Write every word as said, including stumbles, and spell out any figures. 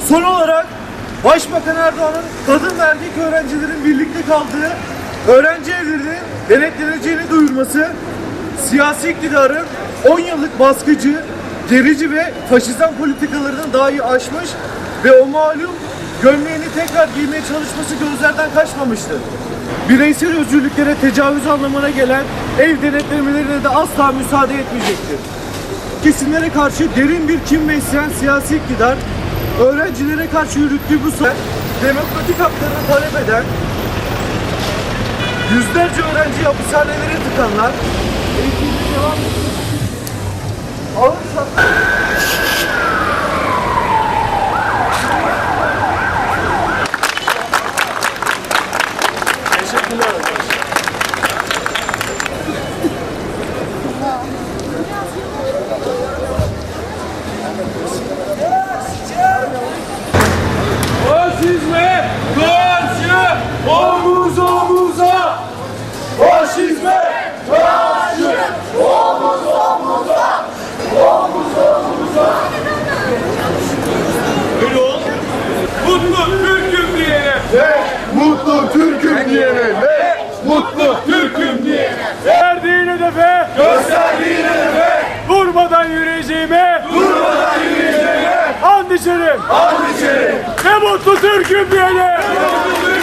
Son olarak Başbakan Erdoğan'ın kadın ve erkek öğrencilerin birlikte kaldığı öğrenci evlerinin denetleneceğini duyurması, siyasi iktidarın on yıllık baskıcı, gerici ve faşizan politikalarını dahi aşmış ve o malum gömleğini tekrar giymeye çalışması gözlerden kaçmamıştır. Bireysel özgürlüklere tecavüz anlamına gelen ev denetlemelerine de asla müsaade etmeyecektir. Kesimlere karşı derin bir kin besleyen siyasi iktidar, öğrencilere karşı yürüttüğü bu sefer demokratik haklarını talep eden, yüzlerce öğrenci hapishanelere tıkanlar, eğitimine devam ağır şartlar. Teşekkürler arkadaşlar. Faşizme karşı omuz omuza! Faşizme karşı omuz omuza! Omuz omuza! Öyle ol. Mutlu Türk'üm diyene Ve mutlu Türk'üm diyene ve mutlu Türk'üm diyene verdiğin hedefe gösterdiğin hedefe durmadan yürüyeceğime durmadan yürüyeceğime and içerim and içerim ve mutlu Türk'üm diyene.